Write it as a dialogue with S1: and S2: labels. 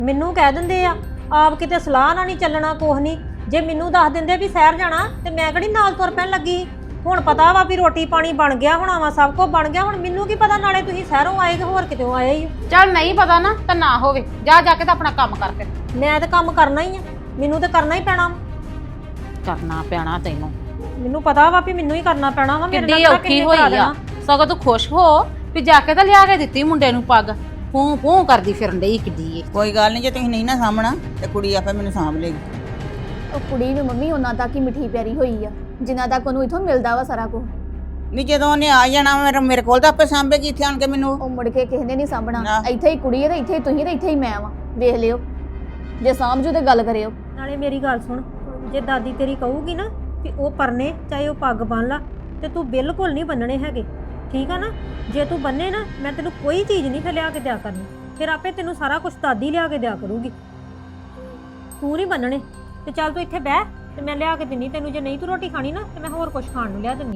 S1: ਮੈਨੂੰ ਕਹਿ ਦਿੰਦੇ ਆ ਆਪ ਕਿਤੇ ਸਲਾਹ ਨਾਲ ਨਹੀਂ ਚੱਲਣਾ ਕੁਛ ਨਹੀਂ। ਜੇ ਮੈਨੂੰ ਦੱਸ ਦਿੰਦੇ ਵੀ ਸ਼ਹਿਰ ਜਾਣਾ ਤੇ ਮੈਂ ਕਿਹੜੀ ਨਾਲ ਤੁਰ ਪੈਣ ਲੱਗੀ। ਹੁਣ ਪਤਾ ਵਾ ਵੀ ਰੋਟੀ ਪਾਣੀ ਬਣ ਗਿਆ ਹੋਣਾ ਵਾ, ਸਭ ਕੁਝ ਬਣ ਗਿਆ। ਹੁਣ ਮੈਨੂੰ ਕੀ ਪਤਾ ਨਾਲੇ ਤੁਸੀਂ ਸ਼ਹਿਰੋਂ ਆਏ ਕਿ ਹੋਰ ਕਿਤੋਂ ਆਏ ਹੀ।
S2: ਚੱਲ ਨਹੀਂ ਪਤਾ ਨਾ ਤਾਂ ਨਾ ਹੋਵੇ, ਜਾ ਜਾ ਕੇ ਤਾਂ ਆਪਣਾ ਕੰਮ ਕਰ ਫਿਰ।
S1: ਮੈਂ ਤਾਂ ਕੰਮ ਕਰਨਾ ਹੀ ਆ, ਮੈਨੂੰ ਤਾਂ ਕਰਨਾ ਹੀ ਪੈਣਾ।
S2: ਕਰਨਾ ਪੈਣਾ ਤੈਨੂੰ,
S1: ਮੈਨੂੰ ਪਤਾ ਵਾ ਵੀ ਮੈਨੂੰ ਹੀ ਕਰਨਾ ਪੈਣਾ ਵਾ।
S2: ਕਿੱਡੀ ਔਖੀ ਹੋਈ ਆ, ਸਗੋਂ ਤੂੰ ਖੁਸ਼ ਹੋ ਵੀ ਜਾ ਕੇ ਤਾਂ ਲਿਆ ਕੇ ਦਿੱਤੀ ਮੁੰਡੇ ਨੂੰ ਪੱਗ। ਫੂੰ ਫੂੰ ਕਰਦੀ ਫਿਰਨ ਡਈ ਕਿੱਡੀ ਏ।
S3: ਕੋਈ ਗੱਲ ਨਹੀਂ, ਜੇ ਤੁਸੀਂ ਨਹੀਂ ਨਾ ਸਾਂਭਣਾ ਤੇ ਕੁੜੀ ਆਪੇ ਮੈਨੂੰ ਸਾਂਭ ਲੇਗੀ।
S4: ਉਹ ਕੁੜੀ ਨੂੰ ਮੰਮੀ ਉਹਨਾਂ ਤੱਕ ਹੀ ਮਿੱਠੀ ਪਿਆਰੀ ਹੋਈ ਆ ਜਿੰਨਾ ਤੱਕ ਉਹਨੂੰ ਇਥੋਂ ਮਿਲਦਾ ਵਾ ਸਾਰਾ ਕੁਝ।
S3: ਨਹੀਂ ਜਦੋਂ ਉਹਨੇ ਆ ਜਾਣਾ ਮੇਰੇ ਕੋਲ ਤਾਂ ਆਪੇ ਸਾਂਭੇਗੀ ਇੱਥੇ ਆਣ ਕੇ ਮੈਨੂੰ।
S4: ਉਹ ਮੁੜ ਕੇ ਕਿਸੇ ਨੇ ਨਹੀਂ ਸਾਂਭਣਾ।
S3: ਨਾ।
S4: ਇੱਥੇ ਹੀ ਕੁੜੀ ਹੈ ਤੇ ਇੱਥੇ ਹੀ ਤੁਸੀਂ ਤੇ ਇੱਥੇ ਹੀ ਮੈਂ ਵਾਂ। ਵੇਖ ਲਿਓ, ਜੇ ਸਾਂਭਜੂ ਤੇ ਗੱਲ ਕਰਿਓ।
S1: ਨਾਲੇ ਮੇਰੀ ਗੱਲ ਸੁਣ, ਜੇ ਦਾਦੀ ਤੇਰੀ ਕਹੂਗੀ ਨਾ ਵੀ ਉਹ ਪਰਨੇ ਚਾਹੇ ਉਹ ਪੱਗ ਬੰਨ ਲਾ ਤੇ ਤੂੰ ਬਿਲਕੁਲ ਨਹੀਂ ਬੰਨਣੇ ਹੈਗੇ, ਠੀਕ ਆ ਨਾ। ਜੇ ਤੂੰ ਬੰਨੇ ਨਾ ਮੈਂ ਤੈਨੂੰ ਕੋਈ ਚੀਜ਼ ਨਹੀਂ ਫਿਰ ਲਿਆ ਕੇ ਦਿਆ ਕਰਨੀ। ਫਿਰ ਆਪੇ ਤੈਨੂੰ ਸਾਰਾ ਕੁਝ ਦਾਦੀ ਲਿਆ ਕੇ ਦਿਆ ਕਰੂਗੀ, ਤੂੰ ਨਹੀਂ ਬੰਨਣੇ। ਤੇ ਚੱਲ ਤੂੰ ਇੱਥੇ ਬਹਿ ਤੇ ਮੈਂ ਲਿਆ ਕੇ ਦਿੰਨੀ ਤੈਨੂੰ। ਜੇ ਨਹੀਂ ਤੂੰ ਰੋਟੀ ਖਾਣੀ ਨਾ ਤੇ ਮੈਂ ਹੋਰ ਕੁਝ ਖਾਣ ਨੂੰ ਲਿਆ ਦਿੰਨੀ।